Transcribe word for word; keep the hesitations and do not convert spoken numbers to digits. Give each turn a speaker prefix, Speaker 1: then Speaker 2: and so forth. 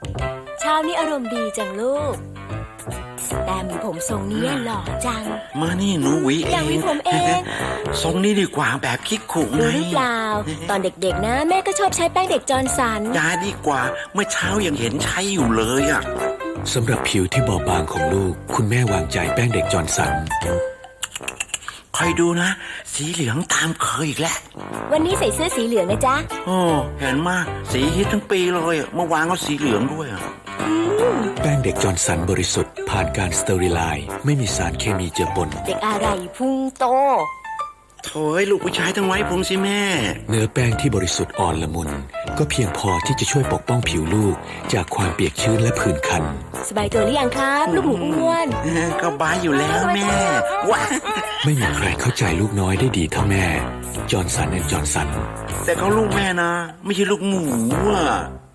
Speaker 1: เช้านี้อารมณ์ดีจังลูกแต่มีผมทรงนี้หล่อจัง
Speaker 2: มานี่หนูหวีเอง
Speaker 1: อยากหวีผมเอง
Speaker 2: ทรงนี้ดีกว่าแบบคิกขุไง
Speaker 1: รู้หรือเปล่า ตอนเด็กๆนะแม่ก็ชอบใช้แป้งเด็กจอร์นสัน
Speaker 2: ยาดีกว่าเมื่อเช้ายังเห็นใช้อยู่เลยอ่ะ
Speaker 3: สำหรับผิวที่บอบบางของลูกคุณแม่วางใจแป้งเด็กจอร์นสัน
Speaker 2: คอยดูนะสีเหลืองตามเคยอีกแล้ว
Speaker 1: วันนี้ใส่เสื้อสีเหลืองนะจ๊ะ
Speaker 2: โอ้เห็นมากสีฮิตทั้งปีเลยเมื่อวานก็สีเหลืองด้วยอ่ะ
Speaker 3: แป้งเด็กจอร์นสันบริสุทธิ์ผ่านการสเตอริไลซ์ไม่มีสารเคมีเจือปน
Speaker 1: เด็กอะไรพุงโต
Speaker 2: โถ่ลูกผู้ชายต้องไว้ผมสิแม่
Speaker 3: เนื้อแป้งที่บริสุทธิ์อ่อนละมุนก็เพียงพอที่จะช่วยปกป้องผิวลูกจากความเปียกชื้นและผื่นคัน
Speaker 1: สบายตัวหรือยังครับลูกหมูอ้วน
Speaker 2: ก็บายอยู่แล้วแม่ว้า
Speaker 3: ไม่มีใครเข้าใจลูกน้อยได้ดีเท่าแม่จอร์นสันและจอร์นสัน
Speaker 2: แต่เขาลูกแม่นะไม่ใช่ลูกหมูอ่ะ